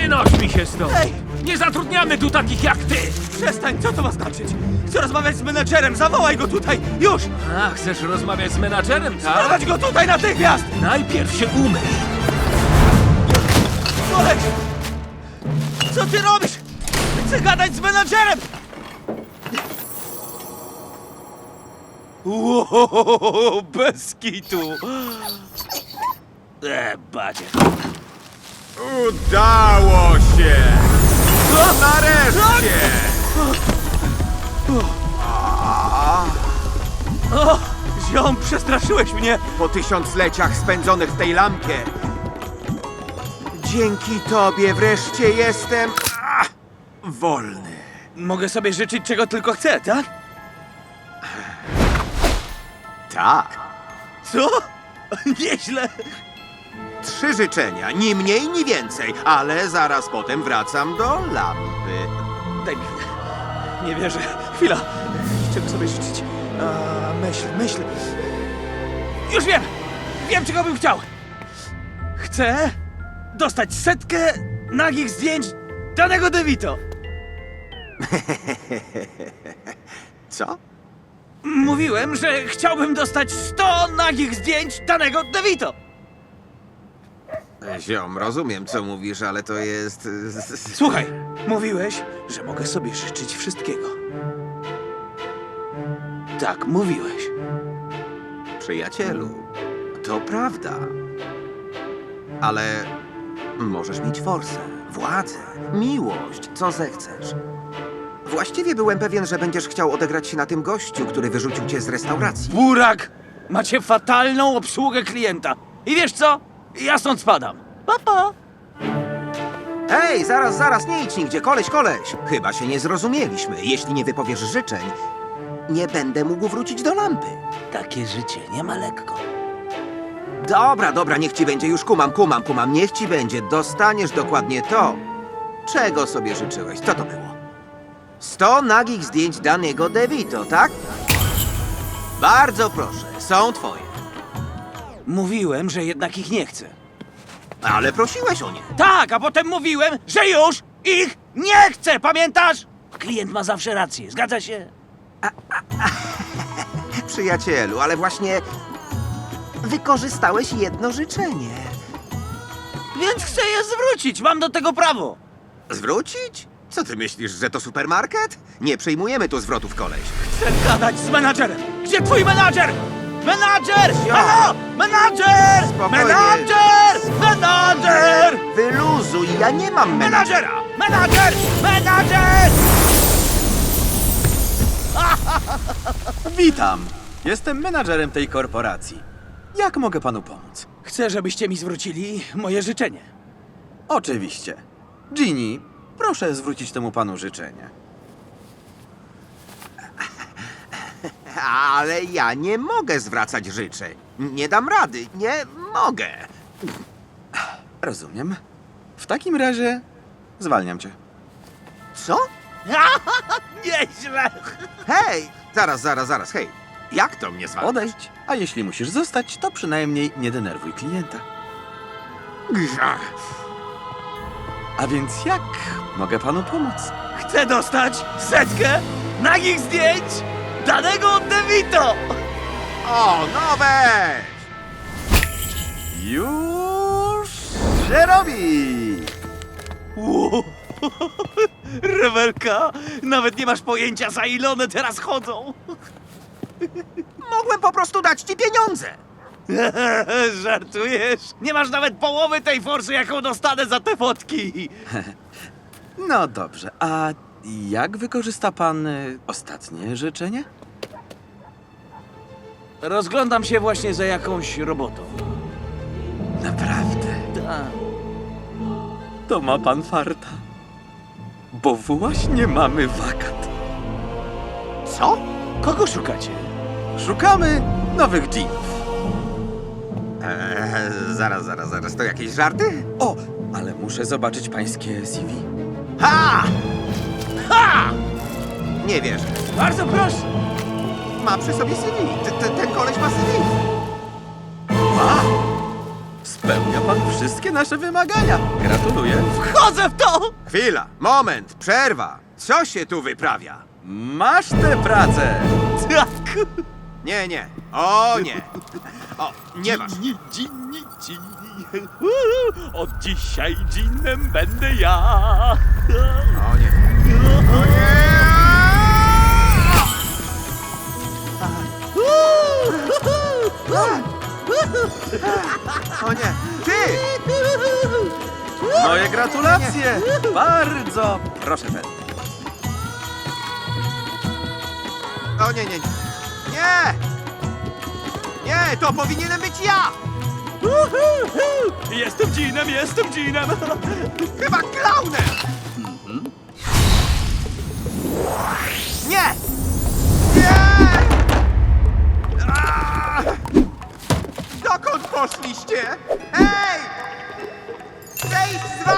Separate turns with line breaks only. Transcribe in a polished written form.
Wynoś mi się stąd!
Hej!
Nie zatrudniamy tu takich jak ty!
Przestań, co to ma znaczyć? Chcę rozmawiać z menedżerem, zawołaj go tutaj, już!
A, chcesz rozmawiać z menadżerem, tak?
Prowadź go tutaj natychmiast!
Najpierw się umyj!
Koleś! Co ty robisz? Chcę gadać z menadżerem! Wow, bez kitu! Badzie.
Udało się! Nareszcie!
O, ziom, przestraszyłeś mnie!
Po tysiącleciach spędzonych w tej lampie, dzięki tobie wreszcie jestem wolny.
Mogę sobie życzyć czego tylko chcę, tak?
Tak.
Co? Nieźle!
3 życzenia, ni mniej, ni więcej, ale zaraz potem wracam do lampy.
Daj mi chwilę. Nie wierzę. Chwila. Czego sobie życzyć? Myśl. Już wiem! Wiem, czego bym chciał! Chcę dostać 100 nagich zdjęć danego DeVito.
Co?
Mówiłem, że chciałbym dostać 100 nagich zdjęć danego DeVito.
Ziom, rozumiem, co mówisz, ale to jest...
Słuchaj, mówiłeś, że mogę sobie życzyć wszystkiego. Tak, mówiłeś.
Przyjacielu, to prawda. Ale możesz mieć forsę, władzę, miłość, co zechcesz. Właściwie byłem pewien, że będziesz chciał odegrać się na tym gościu, który wyrzucił cię z restauracji.
Burak! Macie fatalną obsługę klienta. I wiesz co? Ja stąd spadam. Pa, pa.
Hej, zaraz, nie idź nigdzie, koleś. Chyba się nie zrozumieliśmy. Jeśli nie wypowiesz życzeń, nie będę mógł wrócić do lampy.
Takie życie nie ma lekko.
Dobra, niech ci będzie, już kumam. Niech ci będzie, dostaniesz dokładnie to, czego sobie życzyłeś. Co to było? 100 nagich zdjęć danego DeVito, tak? Bardzo proszę, są twoje.
Mówiłem, że jednak ich nie chcę.
Ale prosiłeś o nie.
Tak, a potem mówiłem, że już ich nie chcę, pamiętasz? Klient ma zawsze rację, zgadza się?
Przyjacielu, ale właśnie wykorzystałeś jedno życzenie.
Więc chcę je zwrócić, mam do tego prawo.
Zwrócić? Co ty myślisz, że to supermarket? Nie przyjmujemy tu zwrotów, koleś.
Chcę gadać z menadżerem. Gdzie twój menadżer? Menadżer!
Zio.
Halo! Menadżer!
Spokojnie.
Menadżer!
Wyluzuj, ja nie mam menadżera.
Menadżer!
Witam! Jestem menadżerem tej korporacji. Jak mogę panu pomóc?
Chcę, żebyście mi zwrócili moje życzenie.
Oczywiście. Ginny, proszę zwrócić temu panu życzenie.
Ale ja nie mogę zwracać życzeń. Nie dam rady, nie mogę.
Rozumiem. W takim razie zwalniam cię.
Co?
Nieźle!
Hej! Zaraz, hej. Jak to mnie zwalniasz?
Odejdź. A jeśli musisz zostać, to przynajmniej nie denerwuj klienta. A więc jak mogę panu pomóc?
Chcę dostać 100 nagich zdjęć danego DeVito!
O, no weź!
Już się robi!
Wow. Rewelka, nawet nie masz pojęcia, za ile one teraz chodzą.
Mogłem po prostu dać ci pieniądze.
Żartujesz? Nie masz nawet połowy tej forsy, jaką dostanę za te fotki.
No dobrze, a jak wykorzysta pan ostatnie życzenie?
Rozglądam się właśnie za jakąś robotą.
Naprawdę?
Tak.
To ma pan farta. Bo właśnie mamy wakat.
Co?
Kogo szukacie?
Szukamy nowych jeanów.
Zaraz, to jakieś żarty?
O, ale muszę zobaczyć pańskie CV.
Ha! Nie wierzę.
Bardzo proszę.
Ma przy sobie CV. Ten koleś ma CV.
Spełnia pan wszystkie nasze wymagania. Gratuluję.
Wchodzę w to!
Chwila, moment, przerwa. Co się tu wyprawia?
Masz tę pracę.
Tak!
Nie, nie. O nie. O, nie masz.
Od dzisiaj dżinem będę ja.
O nie. O nie! O nie. Ty!
Moje gratulacje. Bardzo proszę ten.
O nie, nie, nie. Nie! Nie, to powinienem być ja!
Jestem dżinem, jestem dżinem.
Chyba klaunem! Nie! Nie! Aaa! Dokąd poszliście? Hej! Zejść z